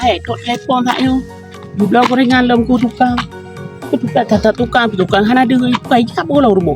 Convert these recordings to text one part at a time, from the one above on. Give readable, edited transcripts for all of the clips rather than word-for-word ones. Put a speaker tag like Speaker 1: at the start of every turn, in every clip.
Speaker 1: tot telefon tak yo. Jumlah gorengan lom ku tukang. Ku tukang hana ada kai cakap bola rumah.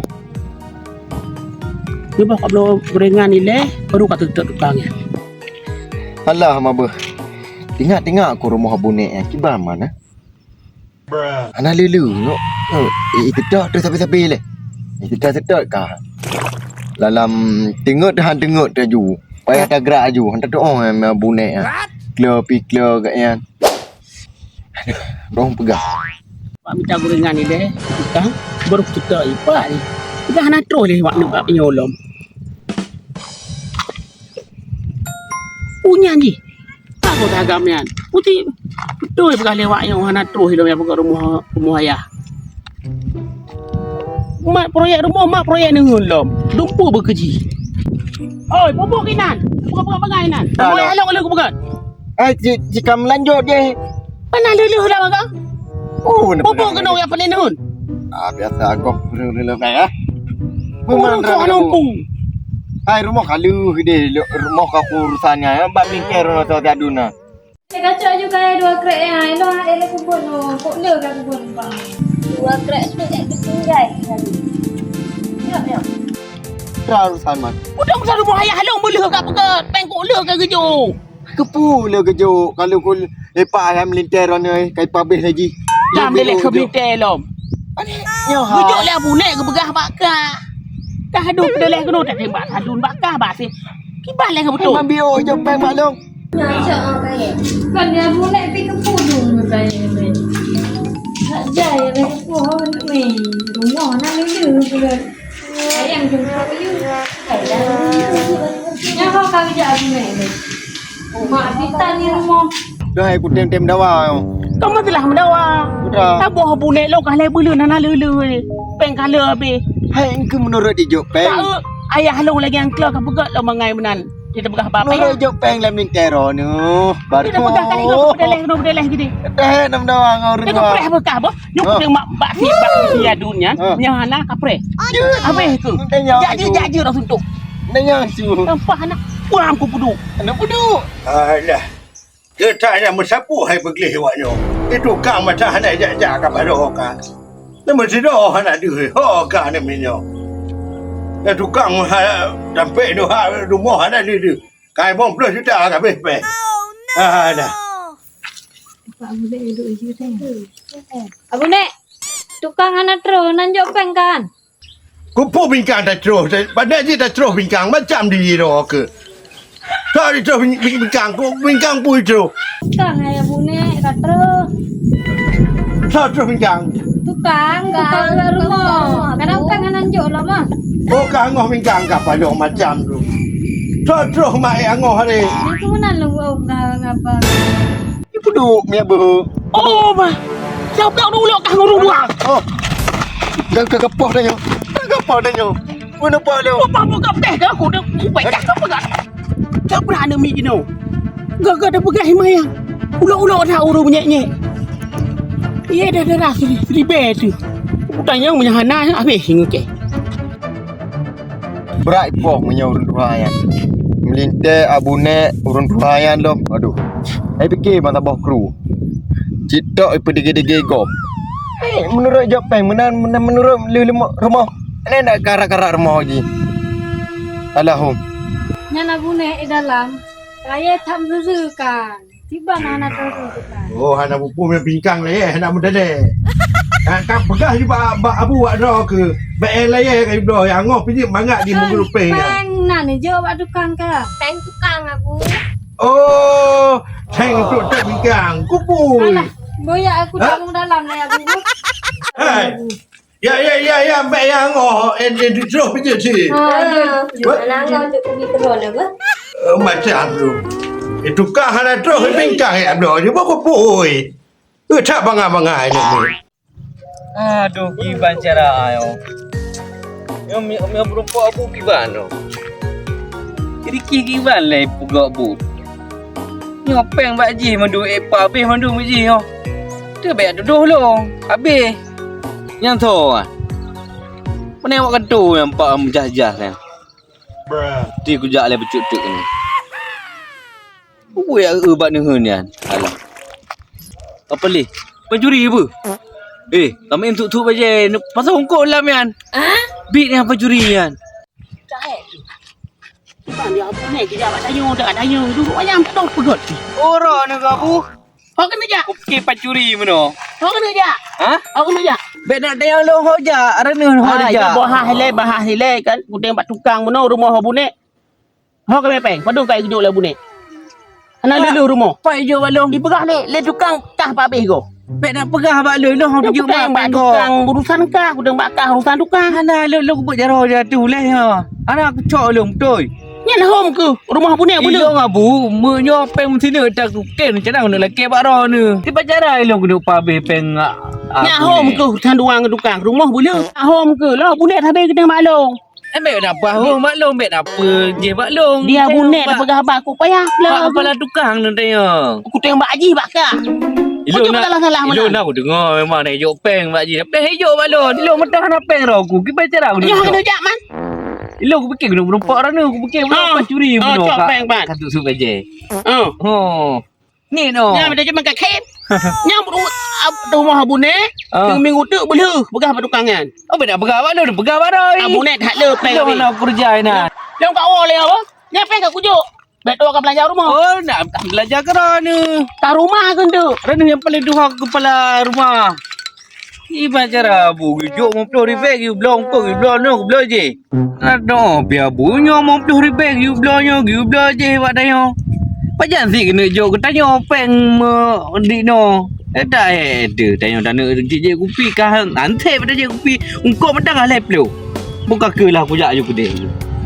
Speaker 1: Dia bawa kabel gorengan ni leh baru kata tukangnya.
Speaker 2: Alah mabah. Tengok aku rumah bonek kibar mana? Ana lulu no. Kedak tu sapi-sapi leh. Kedak kah. Dalam tengok dah ju. Payah dah gerak ju. Hantar doa bonek Klo kat yan. Aduh, dorang pegang.
Speaker 1: Pak minta gorengan ni deh, tukang baru kita ipak ni. Kita hana terus leh wak nampak penyolom. Punya ni. Aku dah agamian. Putih betul pegang lewat yang hana terus dalam pegang rumah ayah. Mak proyek rumah, mak proyek ni ngulom. Dumpu berkeji. Oi, popok kinan. Pegang inan. Oi, halong aku pegang.
Speaker 2: Jika melanjut dia.
Speaker 1: Mana luluh dah pegang? Popok kena yang paling nun.
Speaker 2: Biasa aku luluh dah.
Speaker 1: Orang kau nampu.
Speaker 2: Hai rumah kalu dia rumah kau urusannya bab mingkir orang tu aduna.
Speaker 3: Saya kacau juga dua krek yang elo ada kubur no. Kok le kan kubur bang. Dua krek sudah ketinggal tadi. Ya.
Speaker 2: Urusan man.
Speaker 1: Udah besar rumah ayah halong boleh kat pegat. Pengkok le kan kejo.
Speaker 2: Kepu le kejo kalau kau lepak ayam melintir ni kai pabeh lagi.
Speaker 1: Jam dia ke melintir lom.
Speaker 2: Yo ha.
Speaker 1: Bujuk le bunek ke begah bakar. Kah hadun pedaleh kena tak tembak hadun bakar basi. Kibah le ke betul.
Speaker 2: Memang bio je peng maklum.
Speaker 3: Nyacak kaya. Kan dia boleh pergi ke pudung kaya ni. Tak jaya le ke pohon ni. Rumah nak lulu juga. Ayam jumpa you. Yang kau kau jadi ni. Mak kita ni rumah.
Speaker 2: Dah aku tem dawa.
Speaker 1: Kamu telah mendawa.
Speaker 2: Sudah.
Speaker 1: Tak boh bunek lo kah le bulu nana lulu ni. Peng kala habis.
Speaker 2: Hai engkau menurut dia jok peng.
Speaker 1: Tak ayah halong lagi yang keluar ke pegat lo mangai menan. Kita begah apa ya?
Speaker 2: Menurut jok peng lam melintir ni. Baru.
Speaker 1: Kita begah kali kena pedaleh gini.
Speaker 2: Dah nam dawa ngau
Speaker 1: Dia kapreh bekah boh. Nyuk tengok mak bak si adunya. Nyahana kapreh. Apa itu? Jaji dah suntuk.
Speaker 2: Nanya su.
Speaker 1: Nampak anak pulang ku pudu.
Speaker 2: Anak pudu.
Speaker 4: Alah. Ketanya mensapu hai pergi hewaknya. Itu kang macam hana jak-jak kat pada orang. Nama sido hana dia. Hoka ni minyo. Itu kang sampai tu rumah hana dia. Kai bom plus juta kat bes. Alah.
Speaker 3: Abu nek. Tukang anak terus nanjok peng kan.
Speaker 4: Kupu bingkang tak terus. Pada je tak terus bingkang macam dia ke. Tak terus bingkang pun terus.
Speaker 3: Tukang ayah abu nek kat terus.
Speaker 4: Tak terus bingkang.
Speaker 3: Tukang rumah. Kadang tukang nanjok lah mah.
Speaker 4: Oh kangoh bingkang kat pada macam tu. Tak terus mak angoh hari.
Speaker 3: Ni tu mana lu ngapa?
Speaker 2: Pudu mi abu.
Speaker 1: Oh mah. Siapa dulu kah ngurung-ngurung.
Speaker 2: Oh. Gak kepoh dah nyo. Kepoh dah nyo. Mana pa lu?
Speaker 1: Apa buka teh ke aku dah baik dah pegat. Tak pernah ada mi gino. Gak ada pegat himayang. Ulo-ulo dah urung nyek-nyek. Iya dah seribe tu. Utanya menyahana habis hingga ke.
Speaker 2: Berat poh menyurun ruhayan. Melintir abune urun ruhayan lo. Aduh. Saya fikir mata bawah kru. Citok ipa dege-dege gom. Menurut Jepang menurut rumah. Ini nak karak-karak rumah lagi. Alahum.
Speaker 3: Nyana bune di dalam. Saya tak kan. Tiba anak terus kan.
Speaker 4: Oh, hana pupu me bingkang le hana mudale. Kak begah di abu wak ro ke. Bae le ke do yang ngoh pinjam mangak di mulut peng.
Speaker 3: Peng nak ni jawab tukang ke? Peng tukang aku.
Speaker 4: Oh, ceng tu tak bingkang. Kupu.
Speaker 3: Boya aku dalam dalam lah aku.
Speaker 4: Hai. Ya, bae yang ngoh di terus pinjam si.
Speaker 3: Mana ngau tu pergi terus apa?
Speaker 4: Macam tu. Itu kah hana terus bingkang ya do. Dia kupu. Tak bangai-bangai ni.
Speaker 5: Aduh, kiban cara ayo. Yang berupa abu kiban no. Jadi kiban lah pugak bu. Yang peng bak ji mandu epa habis mandu ji yo. Tu baik duduh lo. Habis. Yang tu ah. Mana awak kadu yang pak menjajah kan. Ti kujak le becuk-cuk ni. Buat ubat ni hunian. Alah. Apa leh? Pencuri apa? Kami untuk baje pasal hongkong lah mian. Bit ni apa curi kan?
Speaker 1: Bukan dia apa ni? Kita dapat tanya. Duduk ayam tak tahu pegot.
Speaker 5: Orang ni kamu.
Speaker 1: Kau kena je.
Speaker 5: Okey pencuri mana?
Speaker 1: Kau kena je.
Speaker 5: Ha?
Speaker 1: Kau kena je.
Speaker 5: Bet nak tayang lo hoja. Arana hoja.
Speaker 1: Ya bahas hilai kan. Ku tengok tukang mana rumah bunek. Kau kena peng. Padu kai duduk lah bunek. Ana lelu rumah.
Speaker 5: Apa hijau balong?
Speaker 1: Dipegah le tukang kah pak habis kau.
Speaker 5: Bet nak pegah bak lo lo hang tunjuk mak
Speaker 1: Bak
Speaker 5: kau.
Speaker 1: tukang urusan kah. Ku tengok bakah urusan tukang.
Speaker 5: Ana lo buat jarah jatuh lah ya. Ana aku cok lo betul.
Speaker 1: Ni lah home ke? Rumah bunek boleh.
Speaker 5: Iyo ngabu, menyo peng sini tak ken cadang nak laki baro ni. Ti pacara lo kena pabe peng.
Speaker 1: Ni home ke? Sanduang ke tukang. Rumah boleh. Home ke? Lah bunek habis kita maklum.
Speaker 5: Ambek nak apa? Maklum bet apa? Je maklum.
Speaker 1: Dia bunek dah pegah abang aku payah.
Speaker 5: Lah kepala tukang ni tanya.
Speaker 1: Aku tengok Mbak Haji bakar.
Speaker 5: Ilo nak
Speaker 1: salah mana?
Speaker 5: Ilo nak aku dengar memang nak hijau peng Mak Ji. Peng hijau balon. Ilo mentah nak peng ro aku. Ki pacara aku.
Speaker 1: Jangan kena jak man.
Speaker 5: Ilo aku fikir kena berempak rana. Aku fikir berapa curi
Speaker 1: cok peng ban.
Speaker 5: Katuk sup aja.
Speaker 1: Oh.
Speaker 5: Ni no.
Speaker 1: Yang ada cuma kat kep. Yang rumah bunek. Minggu tu boleh pegah tukang kan.
Speaker 5: Oh beda pegawai lo, pegawai ro.
Speaker 1: Bunek tak le peng.
Speaker 5: Ilo nak kerja nak.
Speaker 1: Dia kat awal le apa? Yang peng kat kujuk. Baik tu akan belanja rumah.
Speaker 5: Oh, nak belajar kerana ni.
Speaker 1: Kat rumah kan tu.
Speaker 5: Kerana yang paling duha kepala rumah. Iba cara bu, jok mau pelur ribet, you belong pun, you belong no, belong je. Ada biar bunyo mau pelur ribet, you belong je, buat dayo. Pajan sih kena jok, tanya peng di no. Tak ada, tanya tanya je kupi kah, nanti pada je kupi, ungkau mentang lah pelur. Buka ke lah aku jak je kedai.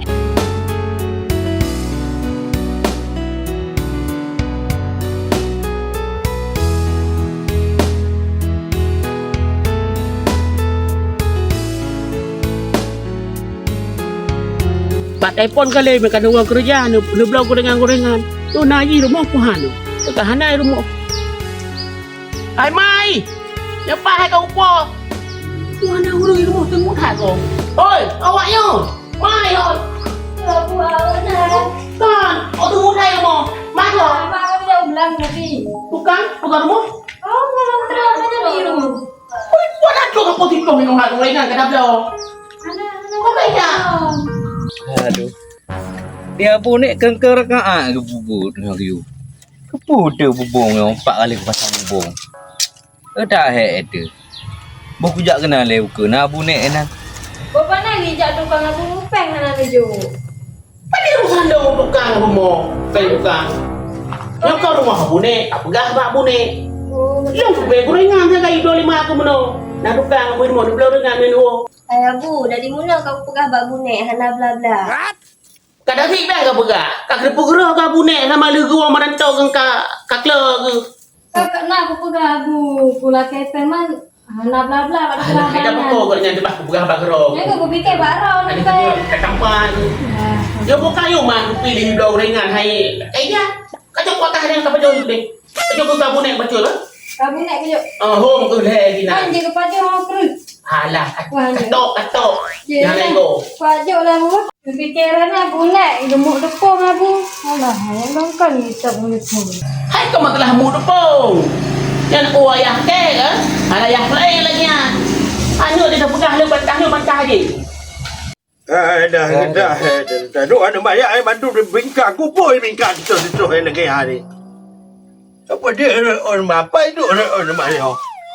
Speaker 1: Pak telefon kali mereka ada orang kerja ni belum gorengan-gorengan. Tu naji rumah puhan tu. Dekat hanai rumah. Hai mai. Siapa hai kau upo? Tu hanai orang rumah tengok tak kau. Oi, awaknya. Mai oi.
Speaker 3: Aku awak dah.
Speaker 1: Kan, oh tu mutai rumah. Mai kau.
Speaker 3: Abang aku dah ulang tadi.
Speaker 1: Tukang, tukang rumah.
Speaker 3: Oh, kalau terang macam ni lu.
Speaker 1: Oi, buat apa kau potong kau minum hak gorengan ke dah belum? Kau kerja.
Speaker 5: Aduh. Dia pun ni kengker kaan ke bubur dengan you. Kepuda bubung yang 4 kali aku pasang bubung. Tak ada. Bok kujak kenal le uke nak abu nek enak.
Speaker 3: Bapa nak hijak tukang aku peng nak meju.
Speaker 1: Pada urusan dong tukang rumah. Kayak tukang. Yang kau rumah bunek, apa gah bak bunek.
Speaker 3: Oh,
Speaker 1: Yang kubek gorengan saya kayu 25 aku meno. Nak tukang rumah ni belum dengan menu.
Speaker 3: ayah bu, dari mana kau pegah bak bunek hana bla bla.
Speaker 1: Kadang sih bang kau pegah. Kak kerupuk gerah kau bunek sama lu gua merantau ke kak kle ke.
Speaker 3: Kakak nak aku pegah bu, pula kepen man hana bla bla pada
Speaker 1: Ada
Speaker 3: kelangan.
Speaker 1: pokok kau dengan tebak pegah bak gerah.
Speaker 3: Jangan aku fikir barau
Speaker 1: Ada
Speaker 3: ni peng.
Speaker 1: kat kampan. Dia bukan yo mah pilih dua gorengan hai. Ya. Kacau kuatah yang tak betul deh. Kacau kau bunek betul lah.
Speaker 3: Kau bunek kejap.
Speaker 1: Home ke lagi
Speaker 3: Kan
Speaker 1: nak.
Speaker 3: je kepada orang perut.
Speaker 1: Alah, katok.
Speaker 3: Je
Speaker 1: Jangan
Speaker 3: lah.
Speaker 1: nego.
Speaker 3: Pajuk lah bu. Fikiran aku bunek, gemuk tepung lah bu. Alah, yang bangkan ni tak boleh pun.
Speaker 1: Hai kau masalah mu tepung. Yang ayah ke kan? Ada ayah lain lagi ah. Anu dia dah pegah lepas bantah je.
Speaker 4: Dah. Duk ada banyak ai bantu bingkang kupoi bingkang situ lagi hari. Apa dia on apa itu on mana?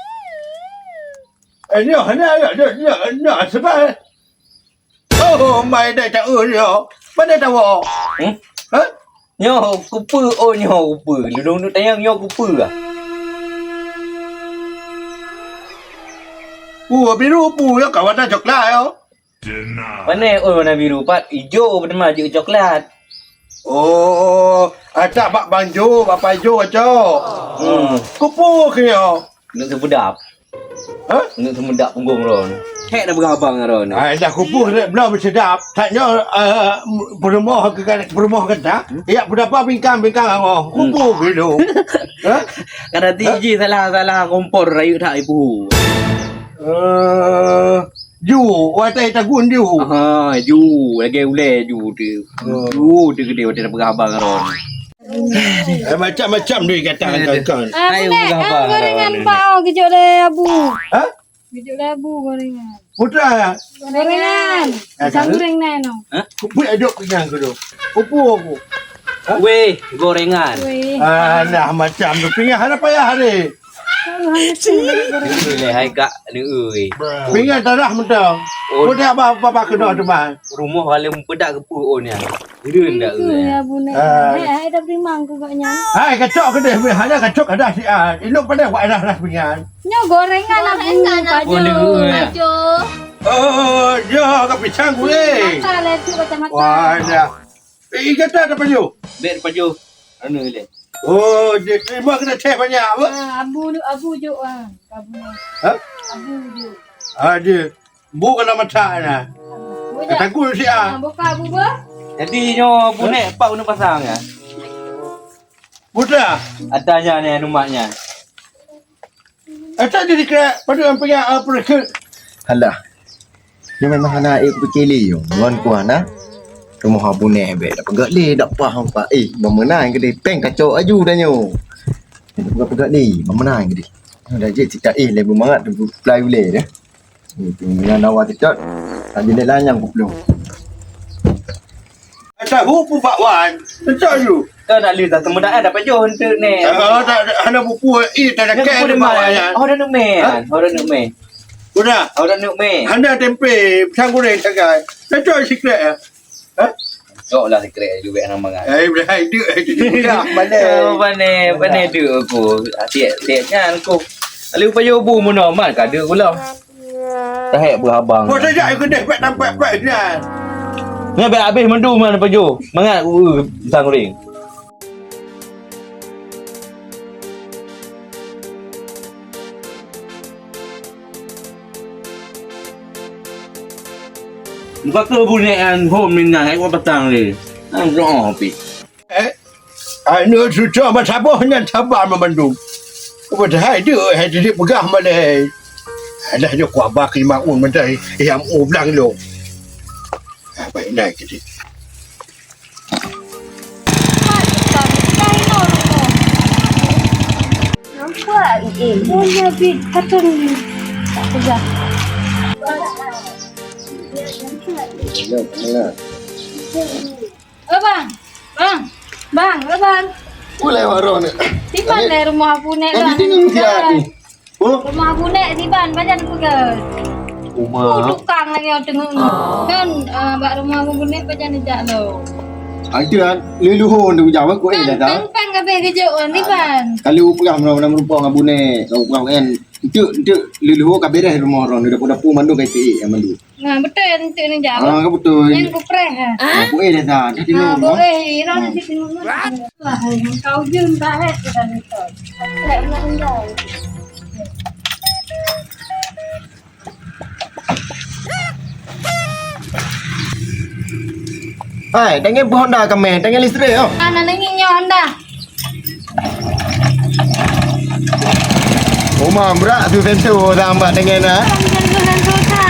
Speaker 4: Ni sebab. Oh, mai dah tak dia. Mana tahu? Ha?
Speaker 5: Nyo kupa nyo kupa. Lu dong tayang nyo kupa ah.
Speaker 4: Biru ya kawan dah coklat ya.
Speaker 5: Mana warna biru pat hijau pada maju coklat.
Speaker 4: Oh, ada bak banjo, bapa hijau aja. Kupu kaya.
Speaker 5: Nak sebedap.
Speaker 4: Ha?
Speaker 5: Nak semedap punggung ron. Hek dah berabang ron.
Speaker 4: Dah kupu belum sedap. Taknya berumah kata. Ya berapa bingkang awak. Kupu gitu. Ha?
Speaker 5: Kada tiji salah kompor rayu tak ibu.
Speaker 4: Ju, watai tagun ju.
Speaker 5: Ju lagi ule ju tu. Ju tu gede dah berabang ron.
Speaker 4: Macam-macam dia kata kan.
Speaker 3: Bunek, gorengan pau kejut le abu.
Speaker 4: Ha?
Speaker 3: Kejut le abu gorengan.
Speaker 4: Putra ya.
Speaker 3: Gorengan. Pisang goreng nai no.
Speaker 4: Kupu aduk kenyang ke tu. Kupu aku.
Speaker 5: Weh, gorengan.
Speaker 3: Weh.
Speaker 4: Nah macam tu pinggan ada payah hari.
Speaker 5: Boleh hai kak ni euy.
Speaker 4: Pinggan tanah mentang. Putra apa kena tu bang.
Speaker 5: Rumah paling pedak ke puun ya. Dun dak
Speaker 3: Itu
Speaker 5: euy.
Speaker 3: ya bunek. Dah beri mangku gaknya.
Speaker 4: Hai kacok ke dia. Hanya kacok ada si an. Elok pada buat dah pinggan.
Speaker 3: Nyo gorengan abu. Paju.
Speaker 4: Oh, ya ke pisang boleh.
Speaker 3: Mata le tu kacamata.
Speaker 4: Wah, dah. Kata ada baju.
Speaker 5: Bet baju. Anu le.
Speaker 4: Oh, dia terima kena teh banyak apa?
Speaker 3: Abu juk ah. Abu.
Speaker 4: Ha?
Speaker 3: Abu juk.
Speaker 4: Ada. Bukan nama tak na. Kata aku si an.
Speaker 3: Buka abu ba?
Speaker 5: Jadi nyo bunek pak guna pasang ya.
Speaker 4: Putra.
Speaker 5: Atanya ni anu maknya.
Speaker 4: Ada dia kira pada orang punya apa
Speaker 2: Halah. Dia memang anak air berkeli yo. Wan kuan ah. Rumah abu ne be dak pegak le dak faham pak. Memenang ke dia peng kacau aju dah nyo. Dak pegak le, memenang ke dia. Dah je cakap le bermangat tu play boleh dah. Itu dengan awak tidak. Tak jadi lanyang pun belum.
Speaker 4: Ada hupu Pak Wan. Betul you.
Speaker 5: Kau nak lihat temudan dapat jo untuk ni.
Speaker 4: Tak ada buku tak ada
Speaker 5: Kau
Speaker 4: kan
Speaker 5: dah
Speaker 4: Pak Wan.
Speaker 5: mana? Oh dah nuk me. Oh dah nuk me.
Speaker 4: Sudah.
Speaker 5: Oh dah nuk me.
Speaker 4: Anda tempe pisang goreng sagai. Betul sikit. Ha?
Speaker 5: Cok lah sekret juga nama kan.
Speaker 4: Berhai dia dah
Speaker 5: Oh, pandai duk aku. Tiap kan aku. Lalu payah bu mana mat ka duk pula. Tak berhabang.
Speaker 4: Kau saja aku dah nampak kan.
Speaker 5: Ni habis mendu mana payah. Mangat pisang goreng. Buka ke bunekan home ni nak aku petang ni. Ang doa pi.
Speaker 4: Anu sudah macam apa hanya sabar memandung. Kau dah dia jadi pegah malai. Alah dia kuat baki maun macam yang ulang lo. Baik naik ke dia.
Speaker 3: Nampak oh ya bit patun tak pegang. Bang.
Speaker 2: Boleh warung ni.
Speaker 3: Tiban le rumah aku nek
Speaker 2: Kau tengok dia ni. Oh,
Speaker 3: Rumah aku nek tiban bajan pegang.
Speaker 5: Rumah.
Speaker 3: Tukang lagi yang tengok ni. Kan bak rumah aku nek bajan jak lo.
Speaker 2: itu kan leluhur tu jawab aku dah tak.
Speaker 3: Kan kabeh kejauhan tiban.
Speaker 2: Kalau pegang nama rupa dengan bune, kau pegang kan. Itu leluhur kabeh dah rumah orang dapur mandu kai ti yang mandu.
Speaker 3: Nah betul yang tu ni jak.
Speaker 2: Ah, kau betul.
Speaker 3: Yang kupreh ha.
Speaker 2: Aku dah tak. Jadi
Speaker 3: Ah,
Speaker 2: no.
Speaker 3: boleh. Ira nanti tengok. Wah, kau jun tak het dah ni tu. Tak nak enggak.
Speaker 2: Hai, dengan Honda kami, dengan listrik oh.
Speaker 3: Ana nangi nyo Honda.
Speaker 2: Rumah berat tu sensor tambah dengan ah.
Speaker 3: Jangan tu